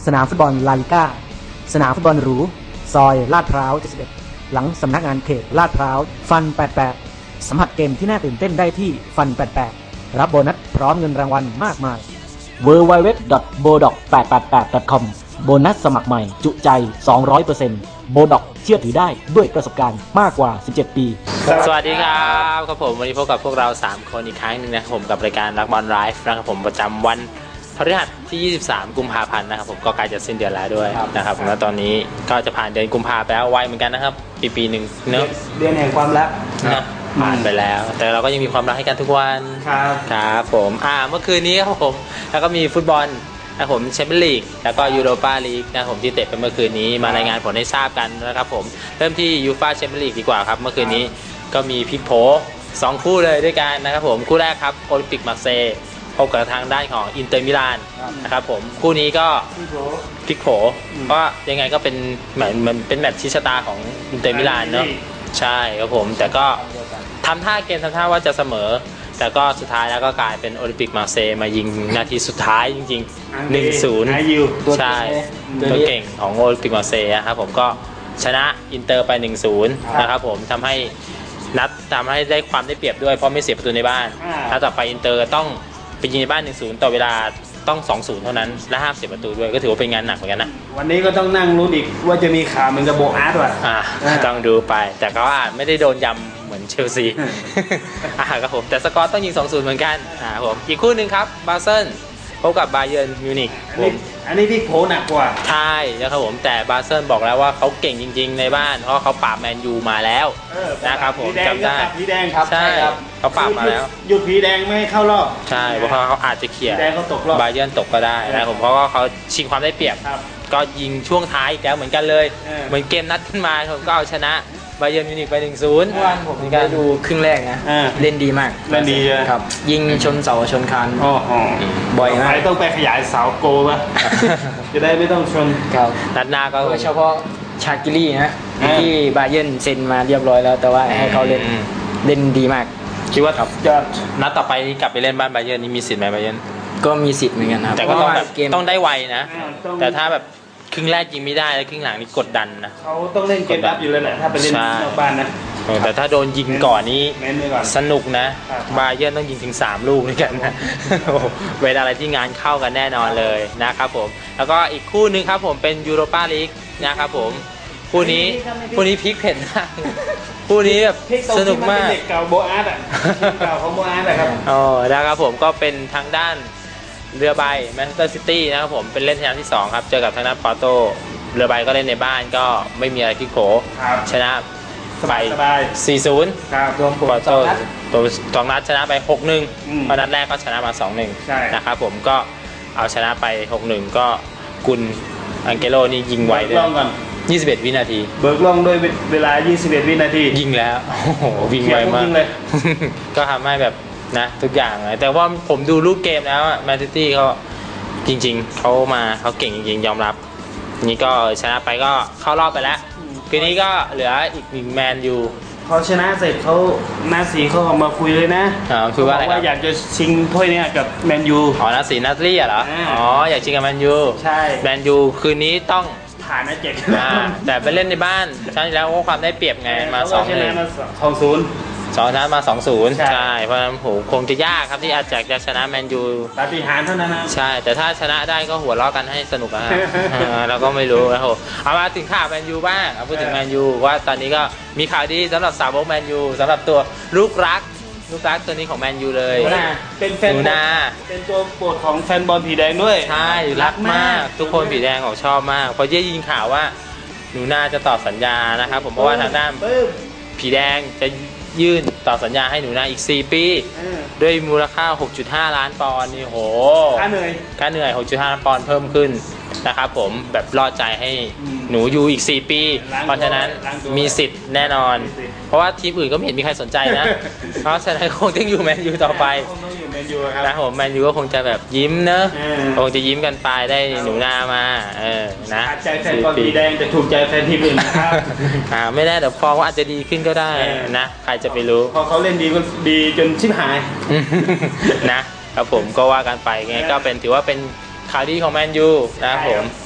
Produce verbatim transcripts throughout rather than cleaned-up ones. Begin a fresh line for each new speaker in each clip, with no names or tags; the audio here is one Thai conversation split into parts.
สนามฟุตบอลลาลิก้าสนามฟุตบอลหรูซอยลาดพร้าวเจ็ดสิบเอ็ดหลังสำนักงานเขตลาดพร้าวฟันแปดสิบแปดสัมผัสเกมที่น่าตื่นเต้นได้ที่ฟันแปดสิบแปดรับโบนัสพร้อมเงินรางวัลมากมาย ดับเบิลยู ดับเบิลยู ดับเบิลยู ดอท โบด็อก แปดแปดแปด ดอท คอม โบนัสสมัครใหม่จุใจ สองร้อยเปอร์เซ็นต์ โบด็อกเชื่อถือได้ด้วยประสบการณ์มากกว่าสิบเจ็ดปี
สวัสดีครับครับผมวันนี้พบกับพวกเราสามคนอีกครั้งหนึ่งนะครับผมกับรายการรักบอลไลฟ์นะครับผมประจำวันพฤหัสที่ยี่สิบสามกุมภาพันธ์นะครับผมก็ใกล้จะสิ้นเดือนแล้วด้วยนะครับผมแล้วตอนนี้ก็จะผ่านเดือนกุมภาพันธ์ไปแล้วไวเหมือนกันนะครับปีปีหนึ่งเนอะ
เดือนแห่งความรัก
นะผ่านไปแล้วแต่เราก็ยังมีความรักให้กันทุกวัน
ครับ
ครับผมอ่าเมื่อคืนนี้ครับผมแล้วก็มีฟุตบอลนะครับผมแชมเปี้ยนลีกแล้วก็ยูโรปาลีกนะครับผมที่เตะไปเมื่อคืนนี้มารายงานผลให้ทราบกันนะครับผมเริ่มที่ยูฟ่าแชมเปี้ยนลีกดีกว่าครับเมื่อคืนนี้ก็มีพลิกโผสองคู่เลยด้วยกันนะครับผมคู่แรกครับโอลิมปิกมาร์เซย์พบกับทางด้านของอินเตอร์มิลานนะครับผมคู่นี้ก็พลิกโผเพราะยังไงก็เป็นเหมือนมันเป็นแมตช์ชี้ชะตาของอินเตอร์มิลานเนาะใช่ครับผมแต่ก็ทำท่าเกมทำท่าว่าจะเสมอแต่ก็สุดท้ายแล้วก็กลายเป็นโอลิมปิกมาร์เซย์มายิงนาทีสุดท้ายจริงๆ หนึ่งศูนย์ ใช่ตัวเก่งของโอลิมปิกมาร์เซย์ครับผมก็ชนะอินเตอร์ไป หนึ่งศูนย์ นะครับผมทำให้นัดทำให้ได้ความได้เปรียบด้วยเพราะไม่เสียประตูในบ้านถ้าต่อไปอินเตอร์ต้องไปยิงในบ้าน หนึ่งศูนย์ ต่อเวลาต้อง สองศูนย์ เท่านั้นและห้ามเสียประตูด้วยก็ถือว่าเป็นงานหนักเหมือนกันนะ
วันนี้ก็ต้องนั่งรู้อีกว่าจะมีข่าวเหมือนกับโบอาร์ตว่ะ
อ่าต้องดูไปแต่ก็อาจไม่ได้โดนยำเหมือนเชลซีอ่าครับผมแต่สกอร์ต้องยิง สองศูนย์ เหมือนกันอ่าผมอีกคู่หนึ่งครับบาเซิลพบกับบาเยิร์นมิวนิกผม
อันนี้พี่โผหนักกว่า
ใช่นะครับผมแต่บาเซิลบอกแล้วว่าเขาเก่งจริงๆในบ้านเพราะเขาปราบแมนยูมาแล้วนะครับผมจำได้
ผีแดงครับ
ใช่เขาปราบมาแล้ว
หยุดผีแดงไม่ให้เข้า รอบ
ใช่เพราะเขาอาจจะเขี่ยบาเยิร์นตกก็ได้นะผมเพราะว่าเขาชิงความได้เปรียบก็ยิงช่วงท้ายอีกแล้วเหมือนกันเลยเหมือนเกมนัดขึ้นมาผมก็เอาชนะบาเยิร์นมิวนิกไป หนึ่งศูนย์
เมื่อวานผมได้ดูครึ่งแรกนะเล่นดีมาก
เล่นดี
ครับยิงชนเสาชนคาน
บ่อยมากต้องไปขยายเสาโกป่ะจะได้ไม่ต้องชน
ครับ
นัดหน้าก็
โดยเฉพาะชากิลี่นะที่บาเยิร์นเซ็นมาเรียบร้อยแล้วแต่ว่าให้เขาเล่นเล่นดีมาก
คิดว่าจะนัดต่อไปกลับไปเล่นบ้านบาเยิร์นนี่มีสิทธิ์ไหมบาเยิร์น
ก็มีสิทธิ์เหมือนกันครับ
แต่ก็ต้องแบบต้องได้ไวนะแต่ถ้าแบบครึ่งแรกยิงไม่ได้แล้วครึ่งหลังนี่กดดันนะ
เขาต้องเล่นเกมรับอยู่เลยแหละถ้าไปเล่นนอกบ้านนะ
แต่ถ้าโดนยิงก่อนนี้สนุกนะบาเยิร์นต้องยิงถึงสามลูกด้วยกันนะเวลาอะไรที่งานเข้ากันแน่นอนเลยนะครับผมแล้วก็อีกคู่นึงครับผมเป็นยูโรปาลีกนะครับผมคู่นี้คู่นี้พลิกเผ็ดมากคู่นี้แบบสนุกมาก
เด็กเก่าโบอาร์ตอ่ะเก่าของโบอาร์ตอะครับ
อ๋อนะครับผมก็เป็นทางด้านเรือใบแมนเชสเตอร์ซิตี้นะครับผมเป็นเล่นสนามที่สองครับเจอกับทางด้านปอร์โตเรือใบก็เล่นในบ้านก็ไม่มีอะไรพลิกโผชนะไป สี่ศูนย์
ครับรวมผล
ปอร์โตตัวสองนัดชนะไป หกหนึ่ง เพราะนัดแรกก็ชนะมา สองหนึ่ง นะครับผมก็เอาชนะไป หกหนึ่ง ก็กุนอังเกโลนี่ยิงไวด้วยยี่สิบเอ็ดวินาที
เบิกล่องด้วยเวลายี่สิบเอ็ดวินาที
ยิงแล้วโอ้โหวิ่งไวมากก็ทำให้แบบนะทุกอย่างเลยแต่ว่าผมดูรูปเกมแล้วแมนซิตี้เขาจริงๆเขามาเขาเก่งจริงๆยอมรับนี่ก็ชนะไปก็เข้ารอบไปแล้วคืนนี้ก็เหลืออีกหนึ่งแมนยู
เขาชนะเสร็จเขาหน้าสีเขาออกมาคุยเลยนะ
อ๋อคือว่าอะไรครับ
อยากจะชิงถ้วยนี้กับแมนยู
อ๋อหน้าสีนัทลี่เหรออ๋ออยากชิงกับแมนยู
ใช่
แมนยูคืนนี้ต้อง
ผ่านนะเจ็ด
แต่ไปเล่นในบ้านใช่แล้วว่าความได้เปรียบไงมาสองหนึ่ง
สองศูนย์
สองชนะมา สองศูนย์ ใช่เพราะฉะนั้นโหคงจะยากครับที่อาจจะจะชนะแมนยู
ปาฏิหาริย์เท่านั้นนะ
ใช่แต่ถ้าชนะได้ก็หัวเราะกันให้สนุกนะเราก็ไม่รู้นะโหเอามาถึงข่าวแมนยูบ้างเอาพูดถึงแมนยูว่าตอนนี้ก็มีข่าวดีสำหรับสาวกแมนยูสำหรับตัวลูกรักลูกรักตัวนี้ของแมนยูเลย
เป็นแฟน
หนูนา
เป็นตัวโปรดของแฟนบอลผีแดงด้วย
ใช่รักมากทุกคนผีแดงของชอบมากเพราะเย่ยินข่าวว่าหนูนาจะต่อสัญญานะครับผมเพราะว่าทางด้านผีแดงจะยื่นต่อสัญญาให้หนูนาอีกสี่ปีด้วยมูลค่า หกจุดห้า ล้านปอนด์นี่โห
ค่าเหนื่อย
ค่าเหนื่อย หกจุดห้า ล้านปอนด์เพิ่มขึ้นนะครับผมแบบรอดใจให้หนูอยู่อีกสี่ปีเพราะฉะนั้นมีสิทธิ์แน่นอนเพราะว่าทีมอื่นก็ไม่เห็นมีใครสนใจนะเพราะฉะนั้นคงต้องอยู่แมนยูต่อไปนะผมแมนยูก็คงจะแบบยิ้มเนอะคงจะยิ้มกันไปได้หนูนามาเออนะ
ใจแฟนบอลสีแดงจะถูกใจแฟนทีมอื่นนะครับ
อ่าไม่แน่แต่ฟอร์มอาจจะดีขึ้นก็ได้นะใครจะไปรู้
พอเขาเล่นดีก็ดีจนชิบหาย
นะครับผมก็ว่ากันไปไงก็เป็นถือว่าเป็นข่าวดีของแมนยูนะครับผม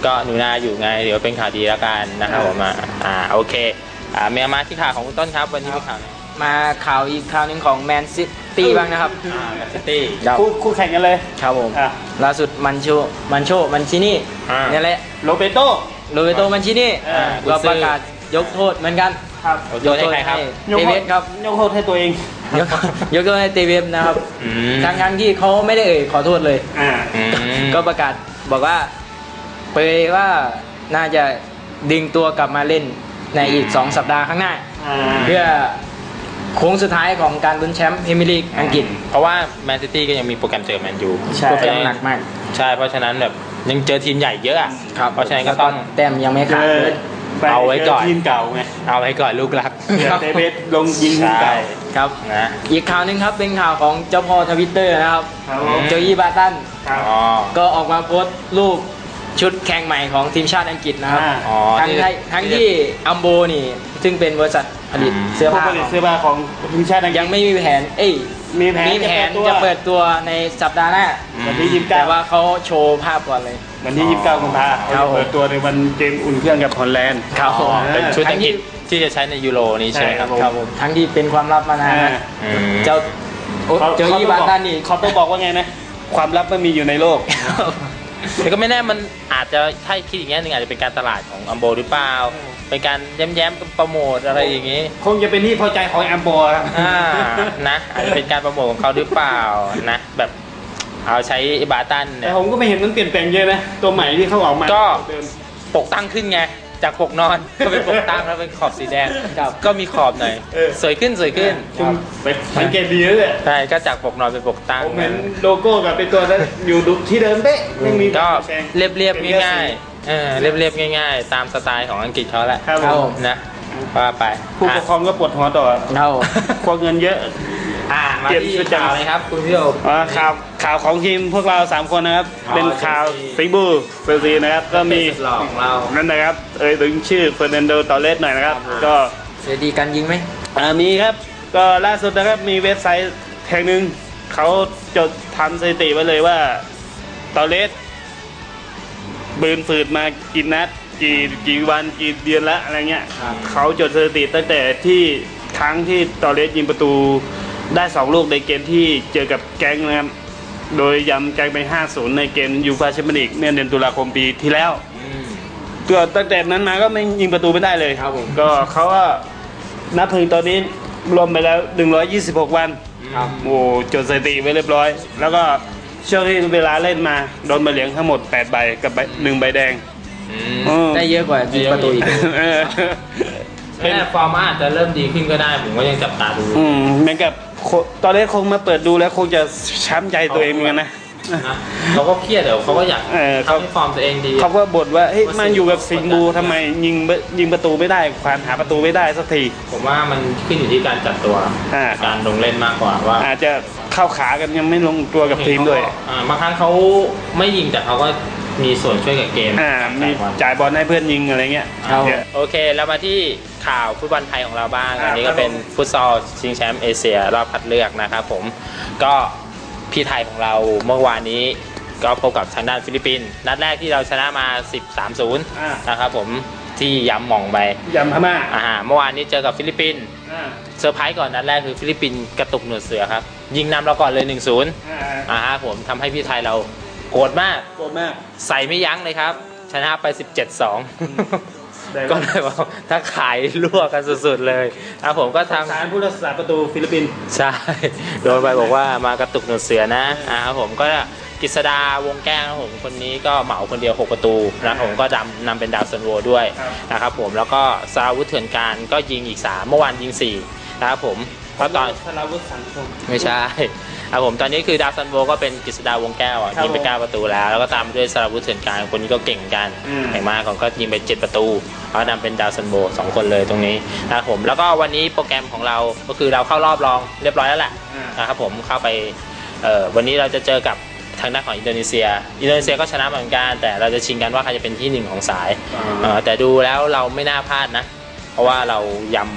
ก็หนูนาอยู่ไงเดี๋ยวเป็นข่าวดีแล้วกันนะครับผมอ่าอ่าโอเคอ่าเมียมาที่ข่าวของคุณต้นครับวันนี้มีข่าวไหน
มาข่าวอีกข่าวหนึ่งของแมนซิตี้บ้างนะครับ
อ่าแมนซิตี้
ครับ
คู่คู่แข่งกันเลย
ครับผม
อ่ะ
ล่าสุดมันโชมันโชมันชินี่
อ่า
นี่แหละ
โรเบโต
โรเบโตมันชินี่
อ่า
ก็ประกาศยกโทษเหมือนกัน
ครับ
ยกโทษให้ใครครับ
เตเวสครับ
ยกโทษให้ตัวเอง
ยกยกโทษให้เตเวสนะครับ
อืม
ทั้งทั้งๆที่เขาไม่ได้เอ่ยขอโทษเลย
อ่า
อืม
ก็ประกาศบอกว่าเปยว่าน่าจะดึงตัวกลับมาเล่นในอีก สอง สัปดาห์ข้างหน้า
อ่า
เพื่อโค้งสุดท้ายของการลุ้นแชมป์พรีเมียร์ลีกอังกฤษ
เพราะว่าแมนซิตี้ก็ยังมีโปรแกรมเจอแมนยู
ใช่
โปรแกรมหนักมาก
ใช่เพราะฉะนั้นแบบยังเจอทีมใหญ่เยอะอะ
ครับ
เพราะฉะนั้นก็ต้อง
แต้มยังไม่
เจ
ขาด
อ
เลย
เอาไว้ก่อน
ทีมเก่าไง
เอาไว้ก่อนลูกรัก
เดี๋ยวเดวิดลงยิงทีม
ใช่
เก่า
ครับ
นะ
อีกข่าวหนึ่งครับเป็นข่าวของเจ้าพ่อทวิตเตอร์นะครับ
ครับผม
โจยี่บาตัน
ครับ
อ๋อ
ก็ออกมาโพสต์รูปชุดแข่งใหม่ของทีมชาติอังกฤษนะครับ
อ่า
อ๋อ
ทั้ง
ที่
ที่ทั้งที่อัมโบนี่ ซึ่งเป็นบริษัทผลิต
อืม
เสื้อ
ผู้
ผ้า
ผลิตเสื้อผ้าของทีมชาติอังกฤษ
ยังไม่มีแผน เอ้ย
มีแผน
มีแผน
จะ
จะ
เปิ
เปิ
ด
ดตัวในสัปดาห์หน้า
วันที่ยี่สิบ
แต่
เก้า
ว่าเขาโชว์ภาพก่อนเลย
วันที่ยี่สิบเก้ากุมภาพันธ์
ครับ
เปิดตัวในวันเกมอุ่นเครื่องกับฮอลแลนด์
ครับผม
อ๋อเป็นชุด
ทั้
อั
ง
งกฤ
ที่
ษที่จะใช้ในยูโรนี้ใช่ไหมครับ
ใช่
ครับผมทั้งที่เป็นความลับมานาน
อ่า
นะ
อืม
เจ้าโอ้โจยี่บาตันนี่
เขาต้องบอกว่าไงนะ ความลับไม่มีอยู่ในโลก
แต่ก็ไม่แน่มันอาจจะถ้าคิดอย่างนี้หนึ่งอาจจะเป็นการตลาดของอัมโบหรือเปล่าเป็นการแย้มๆโปรโมทอะไรอย่างนี้
คงจะเป็นที่พอใจของแอมโบครับ
อ่านะอาจจะเป็นการโปรโมทของเขาหรือเปล่านะแบบเอาใช้บาตัน
แต่
เนี่ย
ผมก็ไม่เห็นมันเปลี่ยนแปลงเยอะนะ ตัวใหม่ที่เขาออกมา
ก็
เดิม
ปกตั้งขึ้นไงจากปกนอนก็เป็นปกตั้งแล้วเป็นขอบสีแดง
ครับ
ก็มีขอบหน่อย
เออ
สวยขึ้นสวยขึ้น
คุณไปสังเกตดีแล้วเนี่ย
ใช่ก็จากปกนอนเป็นปกตั้ง
ผมเห็นโลโก้กับเป็นตัวนั้นอยู่ที่เดิมเป๊ะไม่มี
ก็
แปลง
เรียบเรียบๆง่ายๆเออเรียบเรียบๆง่าย ๆ ตามสไตล์ของอังกฤษเขาแหละ
ครับ
ครับ
ผ
ผม ม
นะว่าไป
ผู้ปกครองก็ปวดหัวต่อ
เรา
ควงเงินเยอะ
อ่ามา
เก็บ
ที่
ประจำ
ข่าวเลยครับคุณพี่โอ
อ่าข่าวข่าวของทีมพวกเราสามคนนะครับ
อ๋อ
เป็นข่าว
เชลซี
สิงห์บูเชลซีนะครับ ก็มี
สุดหล่อของเรา
นั่นนะครับ เอ่ยถึงชื่อเฟอร์นันโดตอเรสหน่อยนะครับ
ครับ
ก็
เสียดีกันยิงไหม
อ่ามีครับ ก็ล่าสุดนะครับมีเว็บไซต์แห่งหนึ่งเขาจดทำสถิติไว้เลยว่าตอเรสบืนฝืดมากี่นัดกี่กี่วันกี่เดือนละอะไรเงี้ย
ครับ
เขาจดสถิติตั้งแต่ที่ครั้งที่ตอเรสยิงประตูได้สองลูกในเกมที่เจอกับแก๊งนะครับ โดยยำแก๊งไป ห้าศูนย์ ในเกมยูฟ่าแชมเปี้ยนลีกเมื่อเดือนตุลาคมปีที่แล้ว ก็ตั้งแต่นั้นมาก็ไม่ยิงประตูไม่ได้เลย
ครับผม
ก็เขาก็นับถึงตอนนี้รวมไปแล้วหนึ่งร้อยยี่สิบหกวัน
ครับ
โอ้จดสถิติไว้เรียบร้อย แล้วก็ช่วงที่เวลาเล่นมาโดนใบเหลืองทั้งหมดแปดใบกับใบหนึ่งใบแดง
อืม
อืม
ได้เยอะกว่ายิงประตูอีก
เออ
แม่ฟอร์มอาจจะเริ่มดีขึ้นก็ได้ผมก็ยังจับตาดู
อืมเหมือนกับโคตอนแรกคงมาเปิดดูแล้วคงจะช้ำใจตัวเองเหมือนกันนะ
นะเขาก็เครียดเดี๋ยวเขาก็อยาก
เออเขา
ทำให้ฟอร์มตัวเองดี
เขาก็บ่นว่าเฮ้ย
ว่า
มาอยู่กับสิงห์บู
กดดัน
ทำไมยิงไม่ยิงประตูไม่ได้ควานหาประตูไม่ได้สักที
ผมว่ามันขึ้นอยู่ที่การจัดตัว
อ่า
การลงเล่นมากกว่าว่า
อาจจะเข้าขากันยังไม่ลงตัวกับทีมด้วย
อ่าบางครั้งเขาไม่ยิงแต่เขาก็มีส่วนช่วยกับเกม
อ่ามี
การ
จ่ายบอลให้เพื่อนยิงอะไรเงี้ย
ครับ
เดี๋ยว
โอเคแล้วมาที่ข่าวฟุตบอลไทยของเราบ้าง
อ่า
อันนี้ก็เป็นฟุตซอลชิงแชมป์เอเชียรอบคัดเลือกนะครับผมก็พี่ไทยของเราเมื่อวานนี้ก็พบกับทางด้านฟิลิปปินส์นัดแรกที่เราชนะมา สิบสามศูนย์
อ่า
นะครับผมที่ย้ำหม่องไป
ยำพม่า
อ่าเมื่อวานนี้เจอกับฟิลิปปินส์
อ่า
เซอร์ไพรส์ก่อนนัดแรกคือฟิลิปปินส์กระตุกหนวดเสือครับยิงนำเราก่อนเลย หนึ่งศูนย์
อ่า
อ่าฮะผมทำให้พี่ไทยเราโกรธมาก
โกรธมาก
ใส่ไม่ยั้งเลยครับ ชนะไป สิบเจ็ดสอง
ได้
ก็เลยว่าถ้าขายรั่วกันสุดๆเลยอ่ะผมก็ทำ
สารผู้รักษาประตูฟิลิปปินส์
ใช่ โดนไปบอกว่ามากระตุกหนวดเสือนะอ่าครับผมก็กฤษดาวงแก้วนะครับผมคนนี้ก็เหมาคนเดียวหกประตูนะผมก็นำนำเป็นดาวซันโวด้วยนะครับผมแล้วก็สราวุธเถื่อนการก็ยิงอีกสามเมื่อวานยิงสี่นะครับผมแล้วตอน
ธนาวุฒิสังคม
ไม่ใช่ครับผมตอนนี้คือดาวซันโวก็เป็นกฤษดาวงแก้วอ่ะ
ครับ
ยิงไปเก้าประตูแล้วแล้วก็ตามด้วยสราวุธเถื่อนการคนนี้ก็เก่งเหมือนกัน
อืม
แข่งมากของก็ยิงไปเจ็ดประตูแล้วนำเป็นดาวซันโวสองคนเลยตรงนี้นะครับผมแล้วก็วันนี้โปรแกรมของเราก็คือเราเข้ารอบรองเรียบร้อยแล้วแหละ
อ่า
นะครับผมเข้าไปเอ่อวันนี้เราจะเจอกับทางด้านของอินโดนีเซีย อินโดนีเซียก็ชนะเหมือนกันแต่เราจะชิงกันว่าใครจะเป็นที่หนึ่งของสาย
อ่า
เอ่อแต่ดูแล้วเราไม่น่าพลาดนะ เพราะว่าเรายำ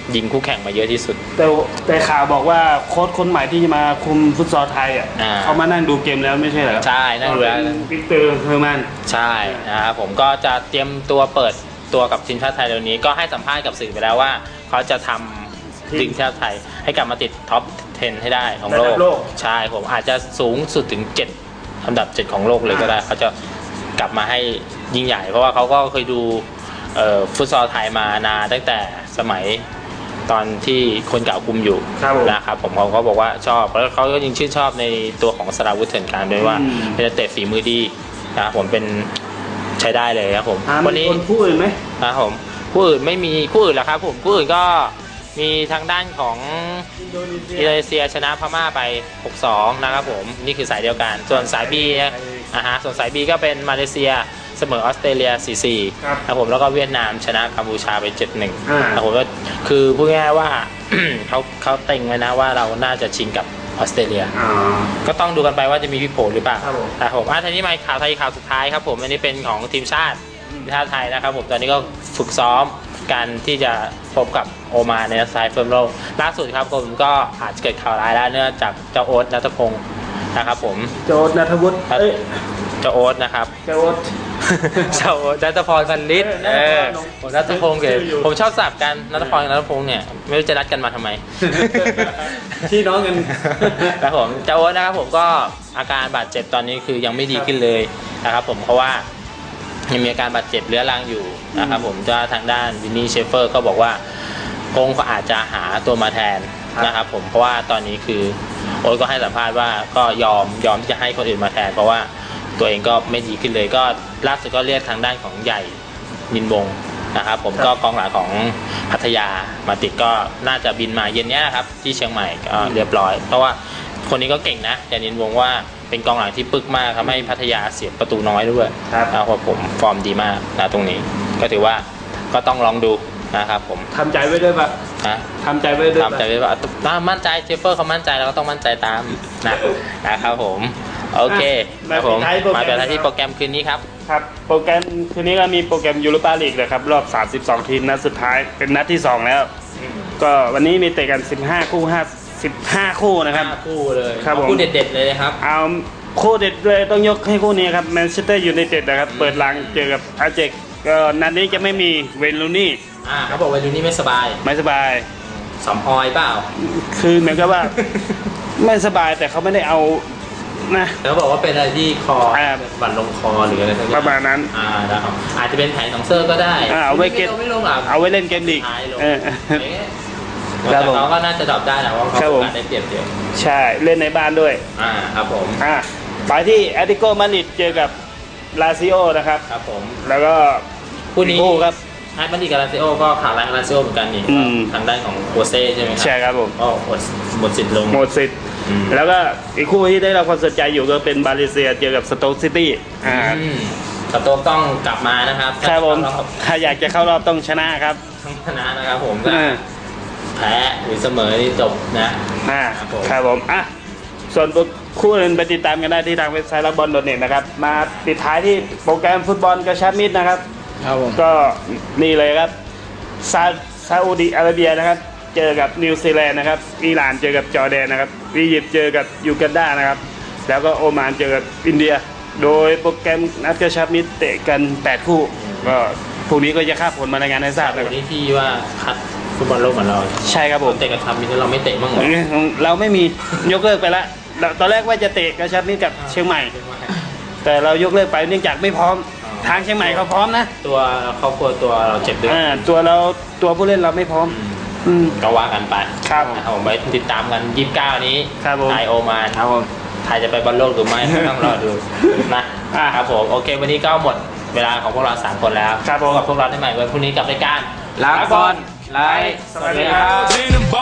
ยิงคู่แข่งมาเยอะที่สุด
แต่แต่ข่าวบอกว่าโค้ชคนใหม่ที่จะมาคุมฟุตซอลไทยอ่ะ
อ่า
เขามานั่งดูเกมแล้วไม่ใช่เหรอ
ใช่นั่งดูแล้ว
วิกเตอร์เฮอร์แมน
ใช่นะครับผมก็จะเตรียมตัวเปิดตัวกับทีมชาติไทยเร็วนี้ก็ให้สัมภาษณ์กับสื่อไปแล้วว่าเขาจะทำทีมชาติไทยให้กลับมาติดท็อปสิบให้ได้ของโล
ระดั
ก
บโลก
ใช่ผมอาจจะสูงสุดถึงเจ็ดอันดับเจ็ดของโลกเลยก็ได้เขาจะกลับมาให้ยิ่งใหญ่ เพราะว่าเขาก็เคยดูเอ่อฟุตซอลไทยมานานตั้งแต่สมัยตอนที่คนเก่าคุมอยู่
ครับผม
นะครับผมเขาก็บอกว่าชอบแล้วเขาก็ยังชื่นชอบในตัวของสราวุธเถื่อนกลางด้วยว่า
อืม
เป็นนักเตะฝีมือดีนะครับผมเป็นใช้ได้เลยครับผม
อ่า
วั
มี
นี้
คนพูดอื่นไหม
นะครับผมคู่อื่นไม่มีคู่อื่นแล้วครับผมคู่อื่นก็มีทางด้านของอินโดนีเซียชนะพม่าไป หกสอง นะครับผมนี่คือสายเดียวกัน ส่วนสาย B อ่าฮะส่วนสาย B ก็เป็นมาเลเซียเสมอออสเตรเลีย สี่สี่
ครับ
นะครับผมแล้วก็เวียดนามชนะกัมพูชาไป เจ็ดหนึ่ง
อ่า
นะครับผมก็คือพูดง่ายๆว่า เขาเขาเต็งไว้นะว่าเราน่าจะชิงกับออสเตรเลีย
อ๋อ
ก็ต้องดูกันไปว่าจะมีพลิกโผหรือเปล่า
ครับผม
ครับผมอ่ะทีนี้มาข่าวไทยข่าวสุดท้ายครับผมอันนี้เป็นของทีมชาติทีมชาติไทยนะครับผมตอนนี้ก็ฝึกซ้อมการที่จะพบกับโอมานในนัดสุดท้ายเฟิร์มโลกล่าสุดครับผมก็อาจจะเกิดข่าวร้ายแล้วเนื่องจากเจ้าโอ๊ตณัฐพงศ์นะครับผม
โจทนัทวุฒิเอ้ย
เจ้าโอ๊ตนะครับ
โจท
เจ้าโอ๊ตนัทพรพันลิศ
เอ
เอ
อ
อผมนัทพงศ์เกิด
ชื่ออยู่
ผมชอบสับกันนัทพรกับนัทพงศ์เนี่ยไม่รู้จะนัดกันมาทำไม
พี่น้องกัน
ครับผมเจ้าโอ๊ตนะครับผมก็อาการบาดเจ็บตอนนี้คือยังไม่ดีขึ้นเลยนะครับผมเพราะว่ายังมีอาการบาดเจ็บเรื้อรังอยู่นะครับผมจะทางด้านวินนี่เชฟเฟอร์ก็บอกว่าคงก็อาจจะหาตัวมาแทนนะครับผมเพราะว่าตอนนี้คือโอ๊ตก็ให้สัมภาษณ์ว่าก็ยอมยอมที่จะให้คนอื่นมาแทน เพราะว่าตัวเองก็ไม่ดีขึ้นเลยก็ล่าสุดก็เรียกทางด้านของใหญ่มินวงนะครับผมก็กองหลังของพัทยามาติดก็น่าจะบินมาเย็นนี้นะครับที่เชียงใหม่ก็เรียบร้อย เพราะว่าคนนี้ก็เก่งนะใหญ่มินวงว่าเป็นกองหลังที่ปึกมากทำให้พัทยาเสียประตูน้อยด้วย
ครับ
นะครับผมฟอร์มดีมากนะตรงนี้ ก็ถือว่าก็ต้องลองดูนะครับผม
ทำใจไว้ด้วยปะ
นะ
ทำใจไว้ด้วยปะ
ทำใจไว้ว่าถ้ามั่นใจเชฟเฟอร์เขามั่นใจเราก็ต้องมั่นใจตามนะนะครับผมโอเคครับผมมาเป็นที่โปรแกรมคืนนี้ครับ
ครับโปรแกรมคืนนี้ก็มีโปรแกรมยูโรปาลีกเลยครับรอบ สามสิบสอง ทีมนัดสุดท้ายเป็นนัดที่สองแล้ว ก็วันนี้มีเตะกัน สิบห้า คู่ห้า สิบห้า คู่นะครับ
ห้าคู่เลย
ครับผม
คู่เด็ดๆเลยนะครับ
เอาคู่เด็ดเลยต้องยกให้คู่นี้ครับแมนเชสเตอร์ยูไนเต็ดนะครับเปิดหลังเจอกับอาเจกก็นัดนี้จะไม่มีเวนลูนี่
อ่าเขาบอกว่าดูนี่ไม่สบาย
ไม่สบาย
สำออยเปล่า
คือเหมือนกับว่า ไม่สบายแต่เขาไม่ได้เอานะ
แล้วบอกว่าเป็นอะไรที่คอ
อ่า
บั่นลงคอหรืออะไรสักอย่ง
ประมาณนั้น
อ่านะครับอาจจะเป็นแผงของเซอร์ก็ได้
อ่าเอาไว้เก็บ
ไม่ลงไม่ลงหรอก
เอาไว้เล่นเกมลีก
ท้ายลง
เออ
เอ๊ะ
ครั
แต่
บผม
เขาก็น่าจะดรอปได้นะเพราะเขา
ครับผม
โอกาสได้เปรียบเดียว
ใช่เล่นในบ้านด้วย
อ่าครับผม
อ่ะไปที่แอตติโกมาดริดเจอกับลาซิโอนะครับ
ครับผม
แล้วก็
คู่นี้
อีกคู่ครับ
ไอ้บันดีกับลาซิโอก็ข่าวร้ายกับลาซิโอเหมือนกันนี่
อืม
ทางด้านของโคเซ่ใช่ไหมครั
ใช่ครับผม
ก็หมดหมดสิทธิ์ลง
หมดสิทธิ์
อืม
แล้วก็อีกคู่ที่ได้รับความสนใจอยู่ก็เป็นบาเลเซียเจอกับสโต๊กซิตี้อ่า
อืมสโต๊กต้องกลับมานะครับ
ครับผม
ถ้าเข้ารอบ
ถ้าอยากจะเข้ารอบต้องชนะครับ
ต้องชนะนะครับผม
อ่า
แพ้หรือเสมอนี่จบนะ
อ่า
ครับผม
ครับผมอ่ะส่วนคู่อื่นไปติดตามกันได้ที่ทางเว็บไซต์รักบอลโดเน็ตนะครับมาปิดท้ายที่โปรแกรมฟุตบอลกระชับมิตรนะครับ
ครับผม
ก็นี่เลยครับซาซาอุดิอาระเบียนะครับ เจอกับนิวซีแลนด์นะครับอิหร่านเจอกับจอร์แดนนะครับอียิปต์เจอกับยูกันดานะครับ แล้วก็โอมานเจอกับอินเดีย โดยโปรแกรมนัดกระชับมิตรเตะกัน แปด คู่ ก็พรุ่งนี้ก็จะคาดผลมารายงานให้ทราบนะค
วั
รับ
นนี้ที่ว่าคัดฟุตบอลโลกเหมือนเรา
ใช่ครับผม
เตะกับทำมิตรเราไม่เตะบ้างเหรอ
เราไม่มียกเลิกไปแล้วตอนแรกว่าจะเตะกระชับมิตรกับเชียงใหม่ แต่เรายกเลิกไปเนื่องจากไม่พร้อม ทางเชียงใหม่เขาพร้อมนะ
ตัวครอบครัวตัวเราเจ็บด้วย
อ่าตัวเราตัวผู้เล่นเราไม่พร้อม อืม
ก็ว่ากันไป
ครับ
นะครับผมไปติดตามกันยี่สิบเก้านี้
ครับผม
ไทยโอมาน
ครับผม
ไทยจะไปบอลโลกหรือไม่ ต้องรอดูนะ
อ่า
ครับผมโอเค วันนี้ก็หมดเวลาของพวกเราสามคนแล้ว
ครับผม
พบกับพวกเราได้ใหม่วันพรุ่งนี้กับรายการ
รักบอลไลฟ์สวัสดีครับ
In the bar.